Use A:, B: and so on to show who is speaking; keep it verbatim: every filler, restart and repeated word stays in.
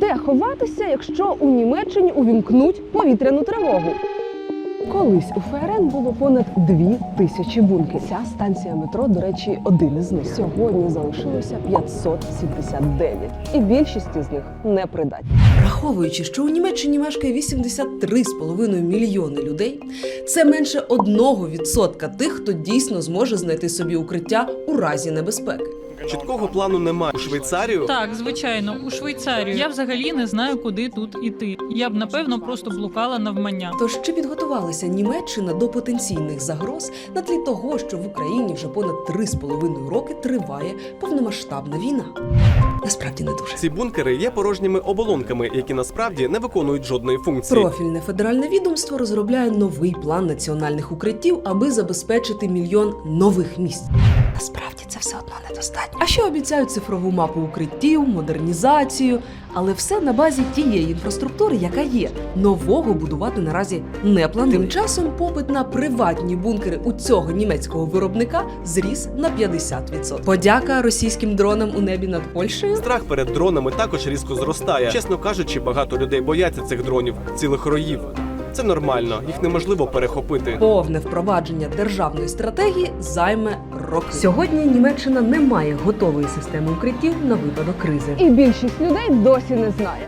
A: Де ховатися, якщо у Німеччині увімкнуть повітряну тривогу? Колись у ФРН було понад дві тисячі бункерів. Ця станція метро, до речі, один із них. Сьогодні залишилося п'ятсот сімдесят дев'ять. І більшість з них непридатні.
B: Враховуючи, що у Німеччині мешкає вісімдесят три з половиною мільйони людей, це менше одного відсотка тих, хто дійсно зможе знайти собі укриття у разі небезпеки.
C: Чіткого плану немає. У Швейцарію?
D: Так, звичайно, у Швейцарію. Я взагалі не знаю, куди тут іти. Я б, напевно, просто блукала навмання.
B: Тож чи підготувалася Німеччина до потенційних загроз на тлі того, що в Україні вже понад три з половиною роки триває повномасштабна війна? Насправді не дуже.
C: Ці бункери є порожніми оболонками, які насправді не виконують жодної функції.
B: Профільне федеральне відомство розробляє новий план національних укриттів, аби забезпечити мільйон нових місць. Насправді це все одно недостатньо. А ще обіцяють цифрову мапу укриттів, модернізацію, але все на базі тієї інфраструктури, яка є. Нового будувати наразі не планують. Тим часом попит на приватні бункери у цього німецького виробника зріс на п'ятдесят відсотків. Подяка російським дронам у небі над Польщею.
C: Страх перед дронами також різко зростає. Чесно кажучи, багато людей бояться цих дронів, цілих роїв. Це нормально, їх неможливо перехопити.
B: Повне впровадження державної стратегії займе роки. Сьогодні Німеччина не має готової системи укриттів на випадок кризи.
A: І більшість людей досі не знає.